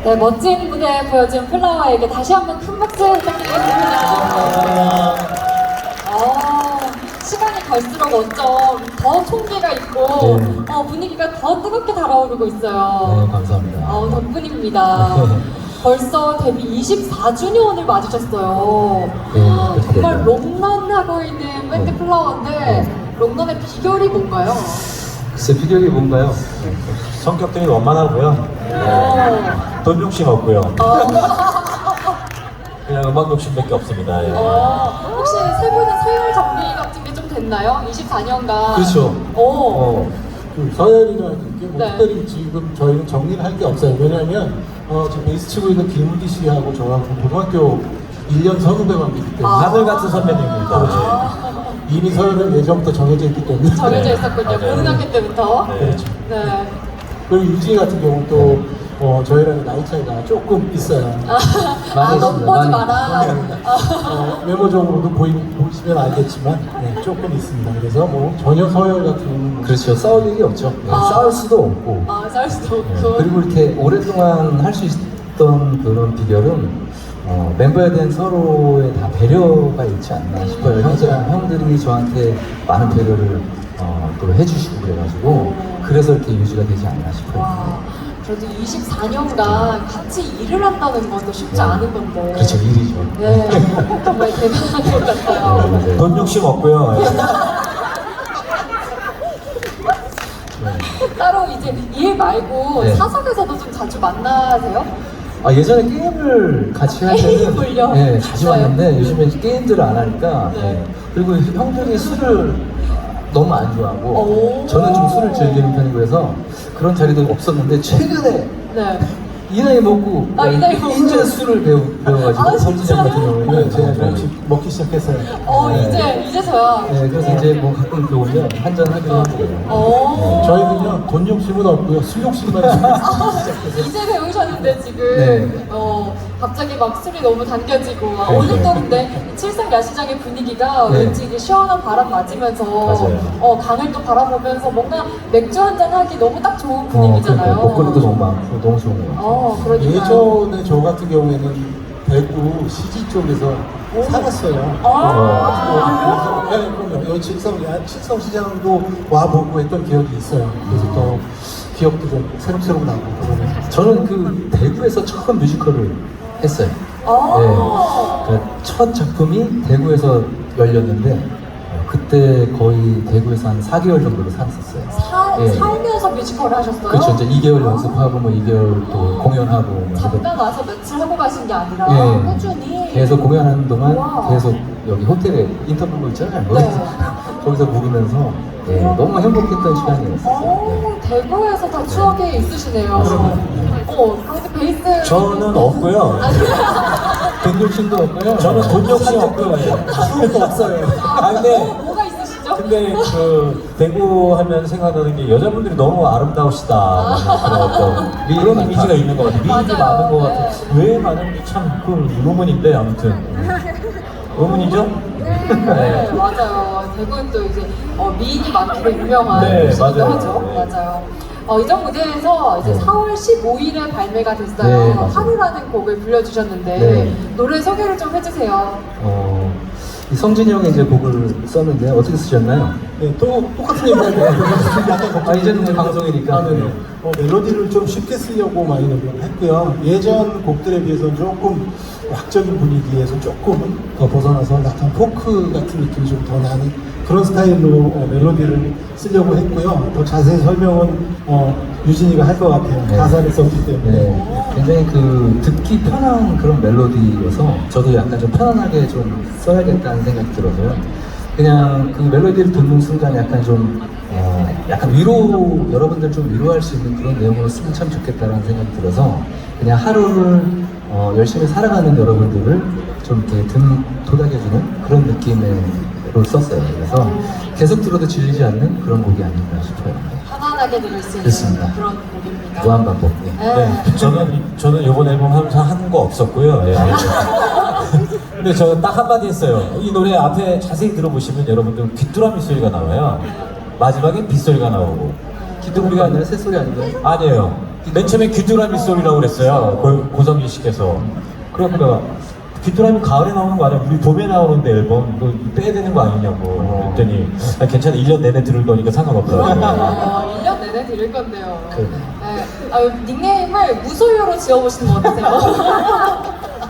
네, 멋진 무대 보여준 플라워에게 다시 한번 큰 박수 부탁드리겠습니다. 시간이 갈수록 어쩜 더 총기가 있고 분위기가 더 뜨겁게 달아오르고 있어요. 네, 감사합니다. 덕분입니다. 벌써 데뷔 24주년을 맞으셨어요. 네, 정말 롱런하고 있는 밴드 플라워인데 롱런의 비결이 뭔가요? 글쎄, 비결이 뭔가요? 성격 되게 원만하고요. 돈 욕심 없고요. 그냥 음악 욕심밖에 없습니다. 예. 혹시 세 분은 서열 정리 같은 게 좀 됐나요? 24년간. 그렇죠. 그 서열이라는 게 뭐 네. 특별히 지금 저희는 정리를 할 게 없어요. 왜냐하면 지금 베이스 치고 있는 김우디 씨하고 저하고 고등학교 1년 선후배 관계이기 때문에 하늘 같은 선배님입니다. 그렇죠. 이미 서열은 예전부터 정해져 있기 때문에 정해져 있었군요. 맞아요. 고등학교 때부터. 네. 그렇죠. 네. 그리고 유진이 같은 경우는 또 저희랑 나이 차이가 조금 있어요. 많이 너무 있습니다. 보지 많이. 마라. 외모적으로도 보시면 알겠지만 조금 있습니다. 그래서 뭐 전혀 서열 같은 경우는 그렇죠. 싸울 일이 없죠. 네, 싸울 수도 없고. 쌀 수도 없고. 그리고 이렇게 오랫동안 할 수 있던 그런 비결은 멤버에 대한 서로의 다 배려가 있지 않나 싶어요. 형들이 저한테 많은 배려를 또 해주시고 그래가지고 그래서 이렇게 유지가 되지 않나 싶어요. 와, 그래도 24년간 같이 일을 한다는 것도 쉽지 않은 건데. 그렇죠, 일이죠. 네, 정말 대단한 것 같아요. 맞아요. 돈 욕심 없고요. 예. 따로 이제 일 말고 네. 사석에서도 좀 자주 만나세요? 예전에 게임을 같이 할 때는 게임을요? 네, 자주 네. 왔는데 요즘에 게임들을 안 하니까 네. 그리고 형들이 술을 너무 안 좋아하고 오. 저는 좀 술을 즐기는 편이고 해서 그런 자리도 없었는데 최근에 네. 이 나이 먹고 이 나이 먹고. 이제 술을 배워가지고 아, 성진이 형 같은 진짜요? 경우는 제가 조금씩 먹기 시작했어요. 네. 이제서야. 네, 그래서 이제 뭐 가끔 이렇게 오면 한잔 하기로 하고 저희는요 돈 욕심은 없고요 술 욕심만 좀 시작해서 이제 배우셨는데 지금 네. 갑자기 막 술이 너무 당겨지고 네. 오늘 또 근데 칠성 야시장의 분위기가 네. 왠지 이게 시원한 바람 맞으면서 맞아요. 강을 또 바라보면서 뭔가 맥주 한잔 하기 너무 딱 좋은 그러니까 분위기잖아요. 목걸이도 너무 많고 너무 좋은 것 같아요. 그러니까 예전에 저 같은 경우에는 대구 CG 쪽에서 살았어요. 그래서 그럼요. 여기 칠성시장도 와보고 했던 기억이 있어요. 그래서 또 기억도 좀 새록새록 나고 그러면서 저는 그 대구에서 처음 뮤지컬을 했어요. 그러니까 첫 작품이 대구에서 열렸는데 그때 거의 대구에서 한 4개월 정도를 살았었어요. 예. 살면서 뮤지컬을 하셨어요? 그렇죠. 이제 2개월 연습하고 뭐 2개월 또 공연하고 뭐 잠깐 와서 며칠 하고 가신 게 아니라 예. 꾸준히 계속 공연하는 동안 우와. 계속 여기 호텔에 인터뷰 있잖아요. 네. 거기서 묵으면서 너무 행복했던 시간이었어요. 대구에서 다 추억이 있으시네요. 그런데 베이스 저는 없고요. 돈 욕심도 없고요. 저는 돈 욕심 없고요. 수도 없어요. 근데 뭐가 있으시죠? 근데 그 대구 하면 생각나는 게 여자분들이 너무 아름다우시다. 그런 어떤 그런 이미지가 있는 것 같아요. 미인이 맞아요. 많은 것 같아요. 왜 많은지 참 그 의문인데 아무튼 의문이죠? 네, 맞아요. 대구는 또 이제 미인이 많기로 유명한 네, 곳이기도 맞아요. 하죠. 네. 맞아요. 이전 무대에서 이제 네. 4월 15일에 발매가 됐어요. 네, 맞아요. 하루라는 곡을 불러주셨는데 네. 노래 소개를 좀 해주세요. 이 성진이 형이 이제 곡을 썼는데 어떻게 쓰셨나요? 네, 또 똑같은 얘기인데 약간 이제는 이제 방송이니까. 네네. 멜로디를 좀 쉽게 쓰려고 많이 노력을 했고요. 예전 곡들에 비해서는 조금 락적인 분위기에서 조금 더 벗어나서 약간 포크 같은 느낌이 좀 더 나는 그런 스타일로 멜로디를 쓰려고 했고요. 더 자세히 설명은 유진이가 할 것 같아요. 네. 가사를 썼기 때문에. 네, 굉장히 그 듣기 편한 그런 멜로디여서 저도 약간 좀 편안하게 좀 써야겠다는 생각이 들어서요. 그냥 그 멜로디를 듣는 순간 약간 좀 약간 여러분들 좀 위로할 수 있는 그런 내용으로 쓰면 참 좋겠다는 생각이 들어서 그냥 하루를 열심히 살아가는 여러분들을 좀 이렇게 도닥여주는 그런 느낌으로 썼어요. 그래서 계속 들어도 질리지 않는 그런 곡이 아닌가 싶어요. 편안하게 들을 수 있는 그렇습니다. 그런 곡입니다. 무한반복. 네. 네. 저는 이번 앨범 하면서 한 거 없었고요. 예. 근데 저는 딱 한마디 했어요. 이 노래 앞에 자세히 들어보시면 여러분들 귀뚜라미 소리가 나와요. 마지막에 빗소리가 나오고. 기둥 우리가 아니라 새소리 아닌가요? 아니에요. 맨 처음에 귀뚜라미 소리라고 그랬어요. 고성진 씨께서. 그러니까 귀뚜라미 가을에 나오는 거 아니야? 우리 봄에 나오는데 앨범 그거 빼야 되는 거 아니냐고 그랬더니 아, 괜찮아 1년 내내 들을 거니까 상관없더라고요. 1년 내내 드릴 건데요. 네. 닉네임을 무소유로 지어보시는 거 어떠세요?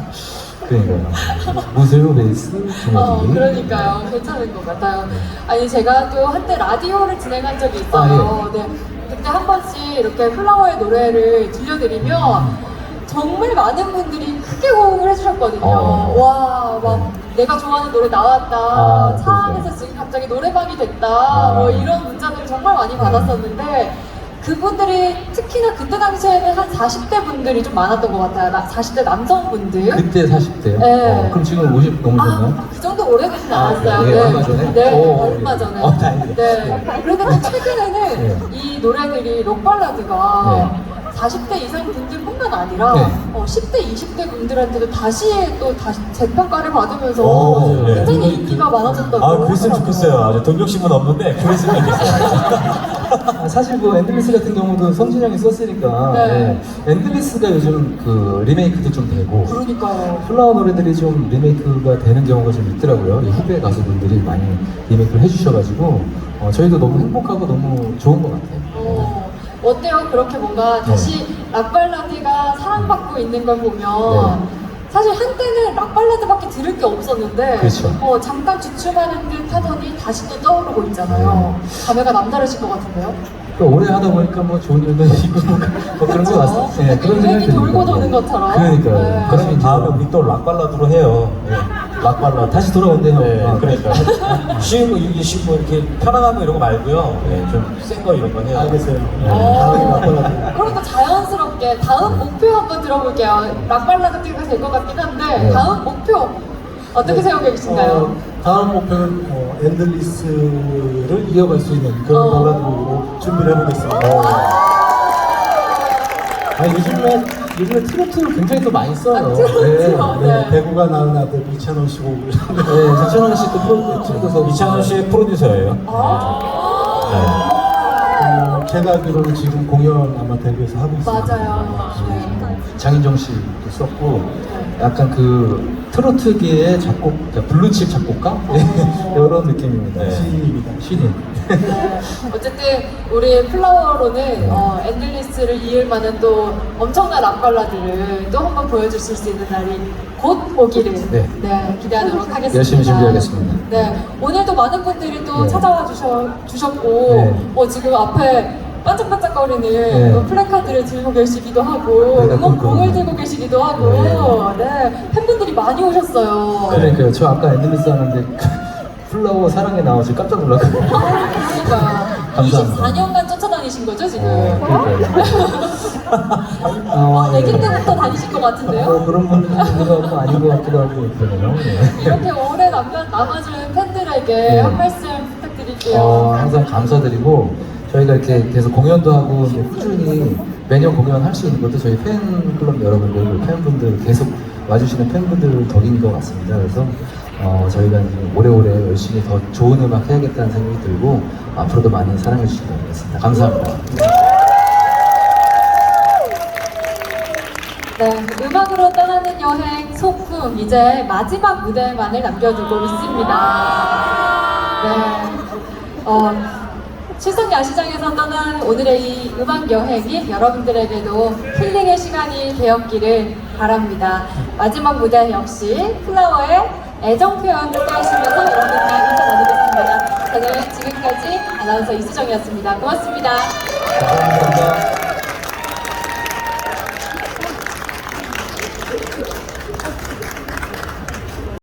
그러니까요. 무쇠로 베이스 김어디. 그러니까요. 괜찮은 것 같아요. 아니, 제가 또 한때 라디오를 진행한 적이 있어요. 네. 그때 한 번씩 이렇게 플라워의 노래를 들려드리면 정말 많은 분들이 크게 호응을 해주셨거든요. 와, 막 내가 좋아하는 노래 나왔다. 차 안에서 지금 갑자기 노래방이 됐다. 뭐 이런 문자들을 정말 많이 받았었는데 그분들이 특히나 그때 당시에는 한 40대 분들이 좀 많았던 것 같아요. 40대 남성분들. 그때 40대요? 네. 그럼 지금 50 넘으셨나요? 그 정도 오래되진 않았어요. 그래요? 예, 얼마 전에? 네, 얼마 전에. 다행이네. 네. 그런데 또 최근에는 네. 이 노래들이 록발라드가 40대 이상 분들뿐만 아니라 네. 10대, 20대 분들한테도 다시 재평가를 받으면서 네. 굉장히 인기가 많아졌다고. 아 그랬으면 좋겠어요. 아주 돈 욕심은 없는데 그랬으면 좋겠어요. 사실 그 엔들리스 같은 경우도 성진 형이 썼으니까 네. 엔들리스가 요즘 그 리메이크도 좀 되고 그러니까요. 플라워 노래들이 좀 리메이크가 되는 경우가 좀 있더라고요. 이 후배 가수분들이 많이 리메이크를 해주셔가지고 저희도 너무 행복하고 너무 좋은 것 같아요. 어때요? 그렇게 뭔가 다시 락발라드가 사랑받고 있는 걸 보면 네. 사실 한때는 락발라드밖에 들을 게 없었는데 그렇죠. 잠깐 주춤하는 듯 하더니 다시 또 떠오르고 있잖아요. 감회가 남다르실 것 같은데요? 그러니까 오래 하다 보니까 뭐 좋은 일도 있고 뭐 그런 것 같아요. 네, 그런 유행이 생각이 돌고 듭니다. 도는 것처럼. 그러니까요. 네. 그러면 다음에 우리 또 락발라드로 해요. 네. 락발라드 다시 돌아온대요. 네, 그러니까 쉬운 거 이게 쉬운 거 이렇게 편안한 거 이런 거 말고요. 네, 좀 센 거 이런 거 해요. 알겠어요. 네. 다음에 락발라드. 그럼 또 자연스럽게 다음 목표 한번 들어볼게요. 락발라드가 될 것 같긴 한데 네. 다음 목표 어떻게 세우고 계신가요? 다음 목표는 엔들리스를 이어갈 수 있는 그런 발라드로 준비를 해보겠습니다. 요즘에 트로트를 굉장히 또 많이 써요. 트로트요? 네. 배구가 낳은 아들 이찬원 씨 곡을 네, 박찬원 씨도 프로듀서 이창원 씨의 프로듀서예요. 제가 알기로는 지금 공연 아마 데뷔해서 하고 있습니다. 맞아요. 네. 장인정 씨도 썼고 약간 그 트로트계의 작곡, 블루칩 작곡가 이런 느낌입니다. 네. 시인입니다. 신인. 어쨌든 우리 플라워로는 엔들리스를 이을 만한 또 엄청난 락발라드를 또 한번 보여주실 수 있는 날이 곧 오기를 네. 기대하도록 하겠습니다. 열심히 준비하겠습니다. 네, 오늘도 많은 분들이 또 네. 찾아와 주셨고 네. 지금 앞에 반짝반짝거리는 네. 플래카드를 들고 계시기도 하고 네, 응원봉을 들고 계시기도 하고 네, 팬분들이 많이 오셨어요. 그러니까요. 저 아까 엔들리스 하는데 플라워 사랑에 나와서 깜짝 놀랐거든요. 그러니까 감사합니다. 24년간 쫓아다니신 거죠 지금? 아기 때부터 다니신 것 같은데요? 그런 분들도 하고 아닌 것 같기도 하고 그러네요. 이렇게 오래 남아준 팬들에게 네. 한 말씀 부탁드릴게요. 항상 감사드리고 저희가 이렇게 계속 공연도 하고 이제 꾸준히 매년 공연할 수 있는 것도 저희 팬클럽 여러분들, 팬분들 계속 와주시는 팬분들 덕인 것 같습니다. 그래서 저희가 이제 오래오래 열심히 더 좋은 음악 해야겠다는 생각이 들고 앞으로도 많이 사랑해 주시기 바라겠습니다. 감사합니다. 네, 음악으로 떠나는 여행 소풍 이제 마지막 무대만을 남겨두고 있습니다. 네, 실성 야시장에서 떠난 오늘의 이 음악 여행이 여러분들에게도 힐링의 시간이 되었기를 바랍니다. 마지막 무대 역시 플라워의 애정 표현 함께 하시면서 여러분과 인사 나누겠습니다. 저는 지금까지 아나운서 이수정이었습니다. 고맙습니다. 감사합니다.